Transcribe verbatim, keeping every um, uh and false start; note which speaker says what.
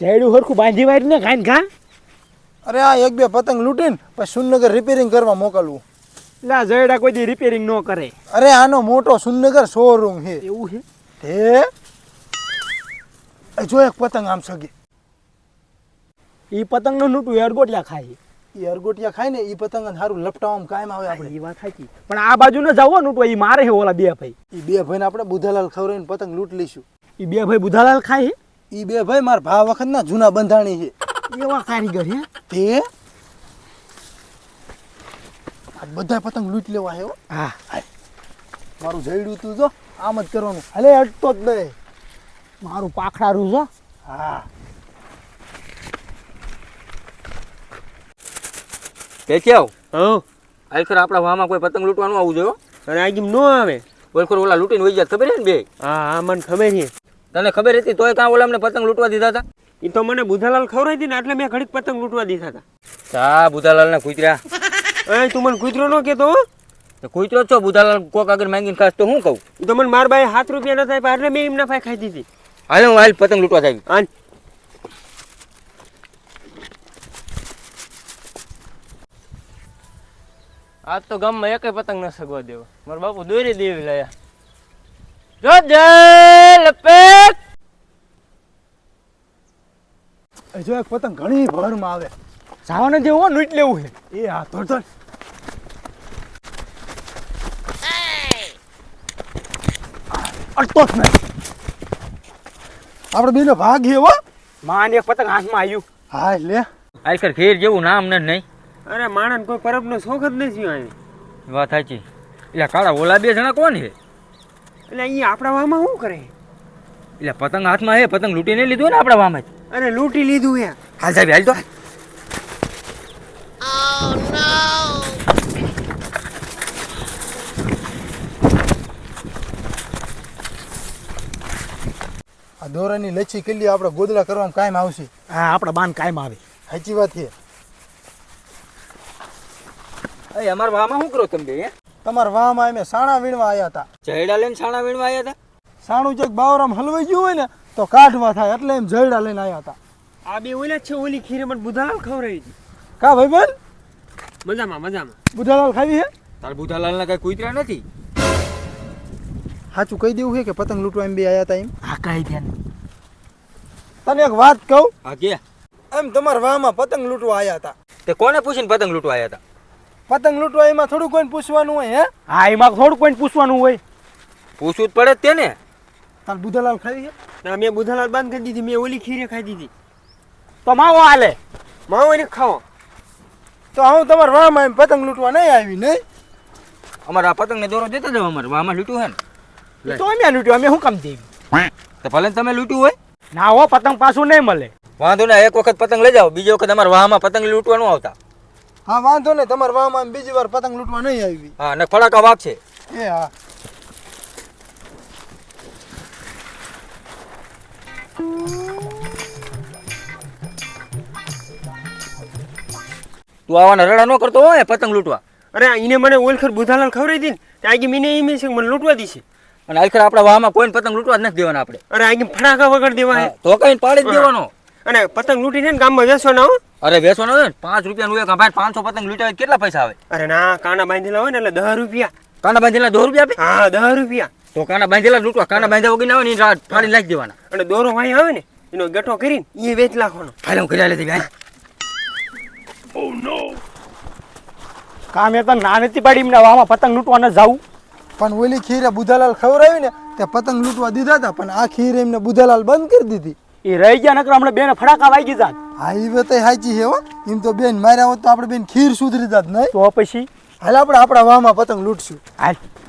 Speaker 1: ચેડું હરખું બાંધી વાળી ને ખાઈને ખા.
Speaker 2: અરે આ એક બે પતંગ લૂંટીને પછી સુનગર રિપેરિંગ કરવા મોકલવું.
Speaker 1: લા જયડા કોઈ દી રિપેરિંગ ન કરે.
Speaker 2: અરે આનો મોટો સુનગર શોરૂમ છે.
Speaker 1: એવું છે?
Speaker 2: હે જો એક પતંગ આમ સગે.
Speaker 1: ઈ પતંગ નું નૂટું અરગોટિયા ખાય.
Speaker 2: એ અરગોટિયા ખાય ને એ પતંગ સારું લપટાવામાં કાયમ આવે આપણે.
Speaker 1: એ વાત સાચી. પણ આ બાજુ ન જાવ નૂટું, ઈ મારે છે ઓલા બે ભાઈ.
Speaker 2: એ બે ભાઈને આપણે બુધાલાલ ખવડાવીને પતંગ લૂંટ લઈશું.
Speaker 1: ઈ બે ભાઈ બુધાલાલ ખાય.
Speaker 2: એ બે ભાઈ મારા ભા વખત ના જૂના બંધાણી છે.
Speaker 1: એવા કારીગર હે
Speaker 2: તે આ બધા પતંગ લૂંટ લેવા હે.
Speaker 1: હા
Speaker 2: મારું જઈડું તું જો આમ જ કરવાનું. હાલે અટતો જ નહીં.
Speaker 1: મારું પાખડારું છે.
Speaker 2: હા
Speaker 3: કેચાવ
Speaker 1: હા
Speaker 3: આલખર આપણા વામાં કોઈ પતંગ લૂંટવાનું આવું જોયો.
Speaker 1: અને આ કેમ નો આવે?
Speaker 3: ઓલખર ઓલા લૂંટીને વહી જાય ખબર છે ને બે?
Speaker 1: હા હા મને ખબર છે.
Speaker 3: તને ખબર હતી તોય કાં ઓલા અમને પતંગ લૂંટવા દીધા હતા?
Speaker 1: એ તો મને બુધાલાલ ખવડાવી હતી ને એટલે મેં ઘડીક પતંગ લૂંટવા દીધા હતા.
Speaker 3: ચા બુધાલાલ ના કૂતરા.
Speaker 1: એ તું મને કૂતરો ન કહેતો હો.
Speaker 3: તો કૂતરો છો બુધાલાલ કોક આગળ માંગીને ખાસ તો હું કહું?
Speaker 1: એ તો મને માર બાએ સાત રૂપિયા નતા આપ્યા એટલે મેં એમના પાસે ખાઈ દીધી.
Speaker 3: હાલ હું હાલ પતંગ લૂંટવા જાય.
Speaker 1: આન
Speaker 4: આજ તો ગામમાં એકેય પતંગ ન સગવા દેવો. મારા બાપુ દોરી દેવી લાયા. જો જય લપેટ.
Speaker 2: એ જો એક પતંગ ઘણી ભરમાં આવે.
Speaker 1: જવાને જેવો લૂંટ લેવું છે.
Speaker 2: એ હા ધોડ ધોડ. અટતો જ નહીં. આપણે બેનો ભાગ છે હો.
Speaker 1: માન એક પતંગ હાથમાં આવ્યું.
Speaker 2: હા લે
Speaker 3: આલખર ખેર જેવું નામ ને નહીં.
Speaker 1: અરે માણસ કોઈ પરબનો શોખ જ નથી અહીં.
Speaker 3: વાત સાચી. એટલે કાળા ઓલા બે જણા કોણ છે?
Speaker 1: એટલે અહીંયા આપણા વામાં શું કરે?
Speaker 3: એટલે પતંગ હાથમાં હે, પતંગ લૂંટીને લીધું ને આપણા વામાં જ.
Speaker 1: અરે લૂંટી લીધું હે.
Speaker 3: હાલ સાહેબ હાલ તો.
Speaker 2: આ દોરાની લચ્છી કિલ્લી આપણે ગોદડા કરવામાં કાયમ આવશે.
Speaker 1: હા આપણા બાન કાયમ આવે.
Speaker 2: સાચી વાત છે.
Speaker 3: એ અમારા વામાં શું કરો તમે બે? હે
Speaker 2: તમારા વાહમાં અમે સાણા વીણવા આવ્યા હતા.
Speaker 3: જયડા લઈને છાણા વીણવા આવ્યા હતા?
Speaker 2: સાણું ચેક બાવરામ હલવાઈ ગયું હોય ને તો કાઢવા થાય એટલે એમ જયડા લઈને આવ્યા હતા.
Speaker 1: આ બે ઓલા જ છે. ઓલી ખીરે મને બુધાલાલ ખવડાવી હતી.
Speaker 2: કા ભાઈ બેન
Speaker 1: મજામાં મજામાં.
Speaker 2: બુધાલાલ ખાવી હે?
Speaker 3: તાર બુધાલાલના કઈ કૂતરા નથી?
Speaker 2: સાચું કહી દેવું છે કે પતંગ લૂંટવા એમ બે આવ્યા હતા એમ?
Speaker 1: હા કઈ ધ્યાન.
Speaker 2: તને એક વાત કહું.
Speaker 3: હા કે
Speaker 2: એમ તમારા વાહમાં પતંગ લૂંટવા આવ્યા હતા.
Speaker 3: તે કોને પૂછીને પતંગ લૂંટવા આવ્યા હતા?
Speaker 2: પતંગ લૂંટવા એમાં થોડું કોઈને પૂછવાનું હોય હે?
Speaker 1: હા એમાં થોડું કોઈ પૂછવાનું હોય.
Speaker 3: પૂછવું જ પડે જ તેને.
Speaker 2: તાર બુધાલાલ ખાવી છે?
Speaker 1: ના મેં બુધાલાલ બંધ કરી દીધી. મેં ઓલી ખીરે ખાઈ દીધી. તો માવો હાલે. માવો એને ખાવો.
Speaker 2: તો હું તમારા વાહમાં એમ પતંગ લૂંટવા નહીં આવી નહીં.
Speaker 3: અમારા પતંગને દોરો દેતા જાવ. અમારે વામાં લૂંટ્યું હે ને.
Speaker 1: તો અમે લૂંટ્યું. અમે શું કામ દેવી?
Speaker 3: તો ભલે ને તમે લૂંટ્યું હોય.
Speaker 1: ના હો પતંગ પાછું નહીં મળે.
Speaker 3: વાંધો ના, એક વખત પતંગ લઈ જાઓ, બીજી વખત અમારા વાહમાં પતંગ લૂંટવાનું આવતા.
Speaker 2: હા વાંધો નહીં. તમારા વાહમાં એમ બીજી વાર પતંગ લૂંટવા નહીં આવી.
Speaker 3: હા અને ફડાકા વાગશે.
Speaker 2: એ હા
Speaker 3: તું આવાના રડા ન કરતો હોય પતંગ લૂંટવા.
Speaker 1: અરે એને મને ઓલખર બુધાલાલ ખવડાવી હતી ને ત્યાં મને એમ છે મને લૂંટવા દીશે.
Speaker 3: અને આખરે આપણા વાહમાં કોઈને પતંગ લૂંટવા જ નથી દેવાના આપણે.
Speaker 1: અરે આ ફટાકા વગર દેવા હે.
Speaker 3: તો કઈ પાડી જ દેવાનો.
Speaker 1: અને પતંગ લૂંટીને ને ગામમાં વેચવાના હો.
Speaker 3: અરે વેચવાનો હોય ને પાંચ રૂપિયાનું એક ભાઈ પાંચસો પતંગ લૂંટાવે કેટલા પૈસા આવે?
Speaker 1: અરે ના કાના બાંધેલા હોય ને એટલે દસ રૂપિયા.
Speaker 3: કાના બાંધેલા દો રૂપિયા આપે?
Speaker 1: હા દસ રૂપિયા.
Speaker 3: તો કાના બાંધેલા લૂંટવા. કાના બાંધ્યા વગર ના આવે ને રાત ફાડી લાખી દેવાના.
Speaker 1: અને દોરો વાય આવે ને એનો ગઠો કરીને એ વેચ નાખવાનો.
Speaker 3: હાલે હું કર્યા લેતી ભાઈ.
Speaker 1: કામ એ તો ના નથી પાડી એમના વાહમાં પતંગ લૂંટવા ન જાવું.
Speaker 2: પણ ઓલી ખીરે બુધાલાલ ખવડાવી ને તે પતંગ લૂંટવા દીધા હતા પણ આ ખીર એમને બુધાલાલ બંધ કરી દીધી.
Speaker 1: એ રહી ગયા નકર હમણાં બેને ફટાકા વાગી જાત.
Speaker 2: હા એ વાત સાચી છે હો. એમ તો બેન માર્યા હોત તો આપણે બેન ખીર સુધરી જાત નહીં.
Speaker 1: તો પછી
Speaker 2: હાલ આપણે આપણા વાહમાં પતંગ લૂંટશું.
Speaker 1: હાલ